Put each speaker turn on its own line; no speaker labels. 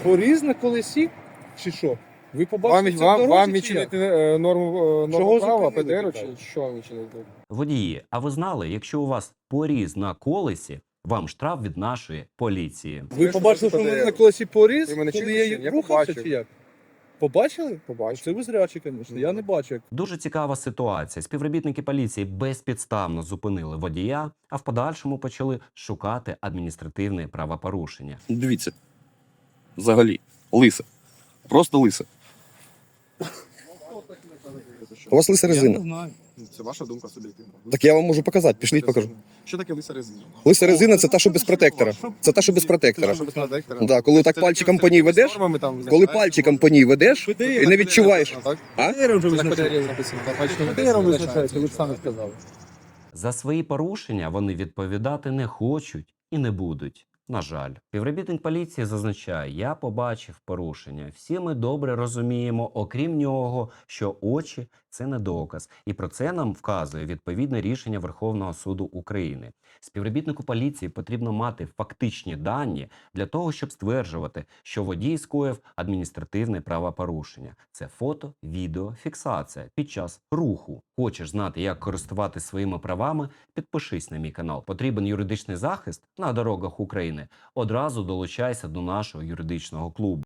Поріз на колесі? Чи що? Ви побачите це в
Вам
дорозі, чи
відчинити
як?
норму
Чого
права,
зупинили,
ПДР, чи
питаю?
що вам відчинити?
Водії, а ви знали, якщо у вас поріз на колесі, вам штраф від нашої поліції.
Ви побачили, що в мене на колесі поріз,
Ви мене
коли
чуєте,
я
чи ні? Я
рухався,
побачив.
чи як? Побачили?
Побачив.
Це ви зрячі, звісно. Я не бачу. Як...
Дуже цікава ситуація. Співробітники поліції безпідставно зупинили водія, а в подальшому почали шукати адміністративне правопорушення.
Дивіться. Взагалі. Лисе. Просто лисе. У вас лиса
Я не
резина.
знаю.
Це ваша думка суб'єктивна.
Так я вам можу показати. Пішліть покажу.
Що таке лиса резина?
Лиса резина це та, що без протектора. Це та, що без протектора. Да, коли так пальчиком по ній ведеш, коли пальчиком по ній ведеш і не відчуваєш. А?
ПДР визначається, ви ж самі сказали.
За свої порушення вони відповідати не хочуть і не будуть. На жаль, співробітник поліції зазначає, я побачив порушення. Всі ми добре розуміємо, окрім нього, що очі – це не доказ. І про це нам вказує відповідне рішення Верховного суду України. Співробітнику поліції потрібно мати фактичні дані для того, щоб стверджувати, що водій скоїв адміністративне правопорушення. Це фото, відео, фіксація під час руху. Хочеш знати, як користуватися своїми правами? Підпишись на мій канал. Потрібен юридичний захист на дорогах України? Одразу долучайся до нашого юридичного клубу.